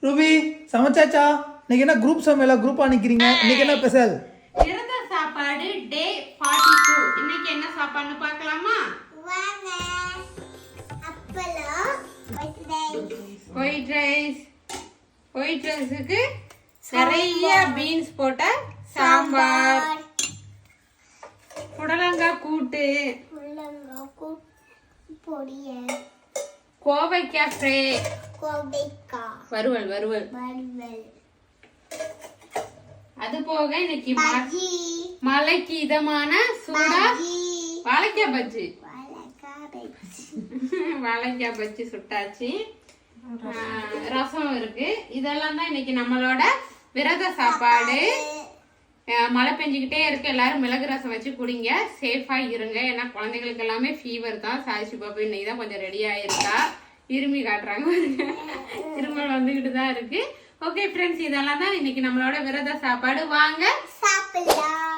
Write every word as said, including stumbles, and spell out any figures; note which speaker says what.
Speaker 1: Ruby சமைச்சாச்சா? இன்னைக்கு என்ன group சமையலா? குரூப்பா நிக்கிறீங்க? இன்னைக்கு என்ன ஸ்பெஷல்?
Speaker 2: விரத சாப்பாடு டே நாற்பத்தி இரண்டு. இன்னைக்கு என்ன சாப்பாடுன்னு பார்க்கலாமா?
Speaker 3: வாங்க. அப்பளம்,
Speaker 2: ஒயிட் ரைஸ். ஒயிட் ரைஸுக்கு நிறைய பீன்ஸ் போட்ட சாம்பார், புடலங்காய் கூட்டு,
Speaker 3: புடலங்காய் கூட்டு பொரியல்,
Speaker 2: கோவைக்காய் ஃப்ரை,
Speaker 3: கோவைக்காய்
Speaker 2: வறுவல் வறுவல்
Speaker 3: வறுவல்,
Speaker 2: அது போக இன்னைக்கு ம-
Speaker 3: பஜ்ஜி,
Speaker 2: மலைக்கு இதமான சூடா
Speaker 3: பஜ்ஜி,
Speaker 2: வாழைக்காய் பஜ்ஜி.
Speaker 3: வாழைக்காய் பஜ்ஜி,
Speaker 2: வாழைக்காய் பஜ்ஜி சுட்டாச்சு. ஆஹ், ரசம் இருக்கு. இதெல்லாம் தான் இன்னைக்கு நம்மளோட விரத சாப்பாடு. ஆஹ், மழை பெஞ்சுக்கிட்டே இருக்கு. எல்லாரும் மிளகு ரசம் வச்சு குடிங்க, சேஃபா இருங்க. ஏன்னா குழந்தைங்களுக்கு எல்லாமே ஃபீவர் தான். சாய்ச்சி பாப்பா இன்னைக்கு தான் கொஞ்சம் ரெடி ஆயிருக்கா. இருமி காட்டுறாங்க, இருமல் வந்துகிட்டு தான் இருக்கு. ஓகே ஃப்ரெண்ட்ஸ், இதெல்லாம் தான் இன்னைக்கு நம்மளோட விரத சாப்பாடு. வாங்க
Speaker 3: சாப்பிடலாம்.